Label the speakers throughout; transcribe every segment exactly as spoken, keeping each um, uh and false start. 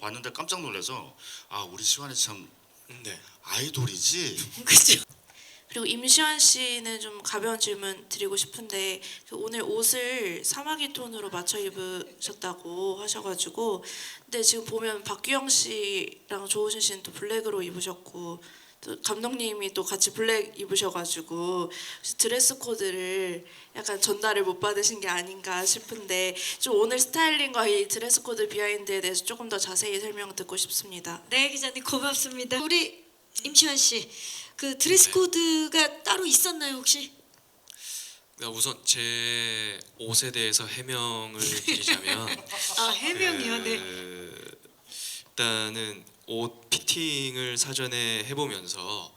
Speaker 1: 봤는데 깜짝 놀라서 아 우리 시완이 참
Speaker 2: 네.
Speaker 1: 아이돌이지.
Speaker 3: 그죠. 그리고 임시완 씨는 좀 가벼운 질문 드리고 싶은데 그 오늘 옷을 사마귀 톤으로 맞춰 입으셨다고 하셔가지고 근데 지금 보면 박규영 씨랑 조우진 씨는 또 블랙으로 입으셨고 또 감독님이 또 같이 블랙 입으셔가지고 드레스 코드를 약간 전달을 못 받으신 게 아닌가 싶은데 좀 오늘 스타일링과 이 드레스 코드 비하인드에 대해서 조금 더 자세히 설명 듣고 싶습니다.
Speaker 4: 네, 기자님 고맙습니다. 우리 임시완 씨, 그 드레스 코드가 따로 있었나요 혹시?
Speaker 2: 네, 우선 제 옷에 대해서 해명을 드리자면
Speaker 4: 아 해명이요, 네.
Speaker 2: 그, 일단은 옷 피팅을 사전에 해보면서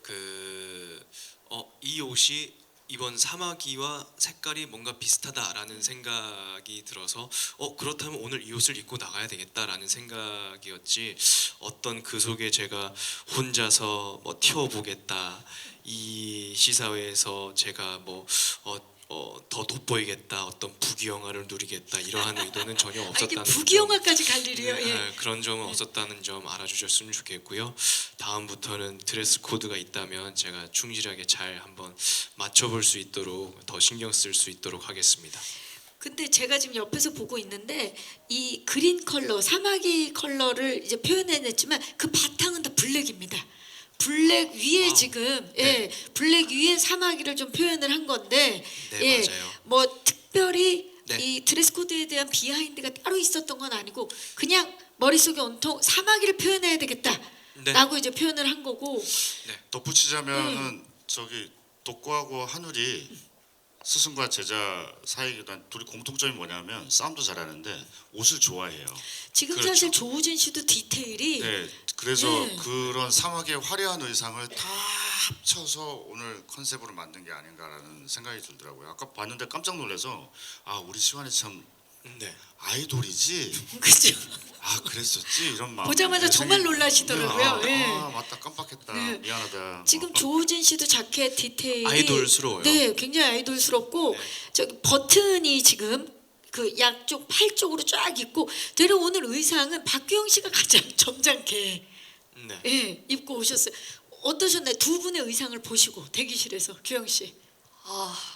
Speaker 2: 그 어, 이 옷이 이번 사마귀와 색깔이 뭔가 비슷하다라는 생각이 들어서 어 그렇다면 오늘 이 옷을 입고 나가야 되겠다라는 생각이었지 어떤 그 속에 제가 혼자서 뭐 튀어보겠다 이 시사회에서 제가 뭐 어, 어, 더 돋보이겠다 어떤 부귀영화를 누리겠다 이러한 의도는 전혀
Speaker 4: 아, 이게
Speaker 2: 없었다는 점.
Speaker 4: 부귀영화까지 갈 일이요.
Speaker 2: 네,
Speaker 4: 예.
Speaker 2: 아, 그런 점은 없었다는 점 알아주셨으면 좋겠고요. 다음부터는 드레스 코드가 있다면 제가 충실하게 잘 한번 맞춰볼 수 있도록 더 신경 쓸 수 있도록 하겠습니다.
Speaker 4: 근데 제가 지금 옆에서 보고 있는데 이 그린 컬러, 사마귀 컬러를 이제 표현해냈지만 그 바탕은 다 블랙입니다. 블랙 위에
Speaker 2: 와우.
Speaker 4: 지금
Speaker 2: 네.
Speaker 4: 예 블랙 위에 사마귀를 좀 표현을 한 건데
Speaker 2: 네,
Speaker 4: 예
Speaker 2: 맞아요.
Speaker 4: 뭐 특별히
Speaker 2: 네.
Speaker 4: 이 드레스 코드에 대한 비하인드가 따로 있었던 건 아니고 그냥 머릿속에 온통 사마귀를 표현해야 되겠다라고
Speaker 2: 네.
Speaker 4: 이제 표현을 한 거고
Speaker 2: 네.
Speaker 1: 덧붙이자면은
Speaker 4: 음.
Speaker 1: 저기 독고하고 한울이 스승과 제자 사이기도 한 둘이 공통점이 뭐냐면 싸움도 잘하는데 옷을 좋아해요.
Speaker 4: 지금
Speaker 1: 그렇죠.
Speaker 4: 사실 조우진 씨도 디테일이
Speaker 1: 네, 그래서
Speaker 4: 네.
Speaker 1: 그런 사막의 화려한 의상을 다 합쳐서 오늘 컨셉으로 만든 게 아닌가라는 생각이 들더라고요. 아까 봤는데 깜짝 놀라서 아 우리 시완이 참
Speaker 2: 네.
Speaker 1: 아이돌이지.
Speaker 4: 그죠.
Speaker 1: 아 그랬었지 이런 마음.
Speaker 4: 보자마자 정말 놀라시더라고요.
Speaker 1: 아,
Speaker 4: 예.
Speaker 1: 아 맞다 깜빡했다.
Speaker 4: 네.
Speaker 1: 미안하다.
Speaker 4: 지금
Speaker 1: 어,
Speaker 4: 조우진 씨도 자켓 디테일이
Speaker 2: 아이돌스러워요.
Speaker 4: 네, 굉장히 아이돌스럽고
Speaker 2: 네.
Speaker 4: 저기 버튼이 지금 그 양쪽 팔 쪽으로 쫙 있고 되려 오늘 의상은 박규영 씨가 가장 점잖게
Speaker 2: 네.
Speaker 4: 예, 입고 오셨어요. 어떠셨나요? 두 분의 의상을 보시고 대기실에서 규영 씨.
Speaker 5: 아,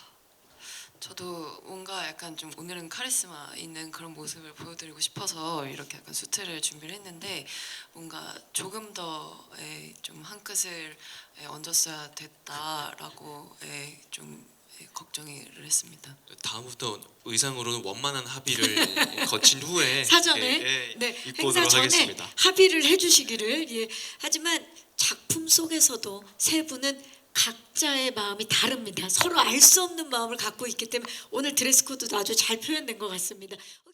Speaker 5: 저도 뭔가 약간 좀 오늘은 카리스마 있는 그런 모습을 보여드리고 싶어서 이렇게 약간 수트를 준비를 했는데 뭔가 조금 더 좀 한 끗을 에, 얹었어야 됐다라고 에, 좀 에, 걱정을 했습니다.
Speaker 2: 다음부터 의상으로는 원만한 합의를 거친 후에
Speaker 4: 사전에
Speaker 2: 예, 예,
Speaker 4: 네,
Speaker 2: 입고
Speaker 4: 행사
Speaker 2: 오도록
Speaker 4: 전에
Speaker 2: 하겠습니다.
Speaker 4: 합의를 해주시기를. 예. 하지만 작품 속에서도 세 분은 각자의 마음이 다릅니다. 서로 알 수 없는 마음을 갖고 있기 때문에 오늘 드레스 코드도 아주 잘 표현된 것 같습니다.